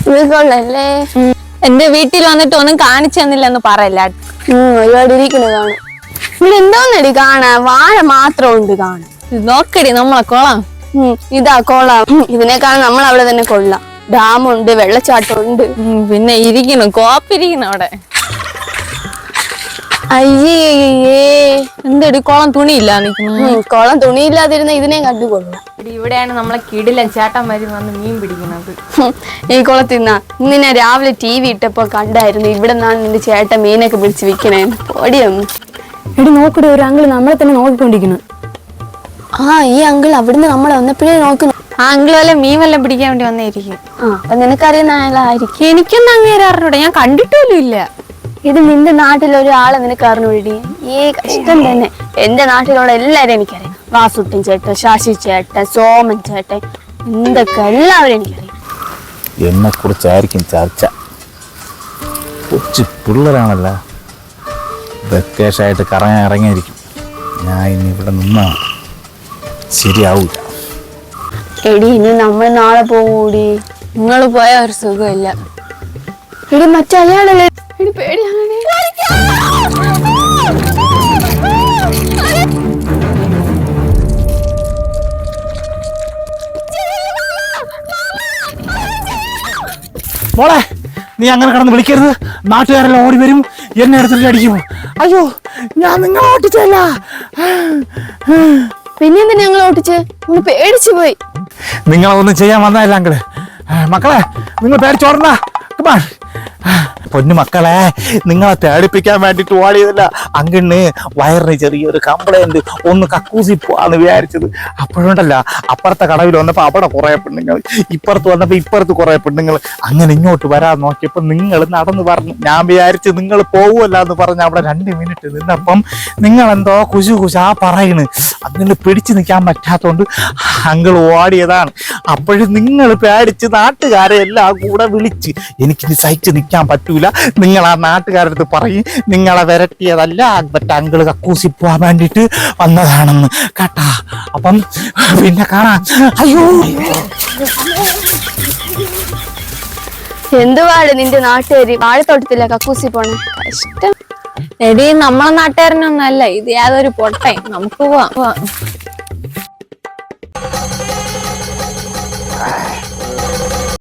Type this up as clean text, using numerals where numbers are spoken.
കൊള്ളല്ലേ. എന്റെ വീട്ടിൽ വന്നിട്ട് ഒന്നും കാണിച്ചു തന്നില്ലെന്ന് പറയല്ല. ഒരുപാട് ഇരിക്കണ കാണാം. ഇവിടെ എന്തോന്നടി കാണാ, വാഴ മാത്രം ഉണ്ട് കാണാൻ. നോക്കടി നമ്മളെ കൊള്ളാം. ഇതാ കൊള്ളാം. ഇതിനേക്കാൾ നമ്മൾ അവിടെ തന്നെ കൊള്ളാം. ഡാമുണ്ട്, വെള്ളച്ചാട്ടം ഉണ്ട്. പിന്നെ ഇരിക്കണം, കോപ്പിരിക്കണം അവിടെ. അയ്യേ എന്തടി കുളം തുണിയില്ല നിൽക്കുന്നു. കുളം തുണിയില്ലാതിരുന്ന ഇതിനെ കണ്ടു കൊള്ളാം. ഇവിടെയാണ് നമ്മളെ കിടിലൻ ചേട്ടന്മാര് വന്ന് മീൻ പിടിക്കുന്നത്. ഈ കുളത്തിന്നാ ഇന്ന് ഞാൻ രാവിലെ TV ഇട്ടപ്പോ കണ്ടായിരുന്നു. ഇവിടെ നിന്നാണ് നിന്റെ ചേട്ടൻ മീനൊക്കെ പിടിച്ച് വിൽക്കണേ. ഓടിയൊന്നും എടി നോക്കടി, ഒരു അങ്കിള് നമ്മളെ തന്നെ നോക്കിക്കൊണ്ടിരിക്കുന്നു. ഈ അങ്കിൾ അവിടുന്ന് നമ്മളെ വന്നപ്പോഴേ നോക്കുന്നു. ആ അങ്കിൾ വല്ല മീൻ വല്ലതും പിടിക്കാൻ വേണ്ടി വന്നായിരിക്കും. അപ്പൊ നിനക്കറിയുന്ന ആളായിരിക്കും. എനിക്കൊന്നും അങ്ങേരെ അറിഞ്ഞൂടെ, ഞാൻ കണ്ടിട്ടുപോലും ഇല്ല. ഇത് നിന്റെ നാട്ടിലൊരാളെ നിനക്ക് അറിഞ്ഞൂടി. കഷ്ടം തന്നെ. എന്റെ നാട്ടിലുള്ള എല്ലാരും എനിക്കറിയാം. വാസുട്ടൻ ചേട്ടൻ, ശശി ചേട്ടൻ, സോമൻ ചേട്ടൻ, എന്തൊക്കെ എല്ലാവരും എനിക്കറിയാം. എന്നെ കുറിച്ചായിരിക്കും ചർച്ച. കൊച്ചു പിള്ളേരാണല്ല, വെക്കേഷനായിട്ട് കറങ്ങാൻ ഇറങ്ങിയിരിക്കും. ഞാൻ ഇനി ഇവിടെ നിന്നാ ശരിയാവൂല. എടി ഇനി നമ്മൾ നാളെ പോകൂടി. നിങ്ങൾ പോയ ഒരു സുഖമില്ല. എടി മറ്റയാളല്ലേ. എടി പേടിയാണ്. മോളെ, നീ അങ്ങനെ കിടന്ന് വിളിക്കരുത്. നാട്ടുകാരെല്ലാം ഓടി വരും, എന്നെ എടുത്തിട്ട് അടിക്കും. അയ്യോ, ഞാൻ നിങ്ങളെ ഓട്ടിച്ചല്ല. പിന്നെന്താ ഞങ്ങൾ ഓട്ടിച്ച്? നമ്മൾ പേടിച്ചു പോയി. നിങ്ങളൊന്നും ചെയ്യാൻ വന്നതല്ല അങ്കിള്. മക്കളെ, നിങ്ങൾ പേടിച്ചോടണ്ട. പൊന്നു മക്കളെ, നിങ്ങളെ തേടിപ്പിക്കാൻ വേണ്ടിട്ട് ഓടിയതല്ല. അങ്കിളിന് വയറിന് ചെറിയൊരു കംപ്ലൈന്റ്, ഒന്ന് കക്കൂസി പോവാന്ന് വിചാരിച്ചത്. അപ്പോഴുണ്ടല്ല, അപ്പുറത്തെ കടവിൽ വന്നപ്പോ അവിടെ കുറെ പെണ്ണുങ്ങൾ, ഇപ്പുറത്ത് വന്നപ്പോ ഇപ്പുറത്ത് കുറെ പെണ്ണുങ്ങൾ. അങ്ങനെ ഇങ്ങോട്ട് വരാൻ നോക്കിയപ്പോ നിങ്ങൾ നടന്ന് പറഞ്ഞു. ഞാൻ വിചാരിച്ച് നിങ്ങൾ പോവുമല്ല എന്ന് പറഞ്ഞ് അവിടെ 2 മിനിറ്റ് നിന്നപ്പം നിങ്ങൾ എന്തോ കുശാ പറയണ്. അങ്ങനെ പിടിച്ചു നിൽക്കാൻ പറ്റാത്തോണ്ട് അങ്കിൾ ഓടിയതാണ്. അപ്പോഴും നിങ്ങൾ പേടിച്ച് നാട്ടുകാരെ എല്ലാം കൂടെ വിളിച്ച്, എനിക്കിനി സഹിച്ച് നിൽക്കാൻ പറ്റൂല, നിങ്ങൾ ആ നാട്ടുകാരടുത്ത് പറയും നിങ്ങളെ വിരട്ടിയതല്ല, മറ്റേ അങ്കിള് കക്കൂസി പോവാൻ വേണ്ടിട്ട് വന്നതാണെന്ന് കേട്ടാ. അപ്പം പിന്നെ കാണാം. അയ്യോ, എന്തുവാട് നിന്റെ നാട്ടുകാരി വാഴത്തോട്ടത്തില്ല കക്കൂസി പോണേ. കഷ്ടം. എടി നമ്മളെ നാട്ടുകാരനൊന്നല്ല ഇത്, യാതൊരു പൊട്ടയും. നമുക്ക് പോവാം.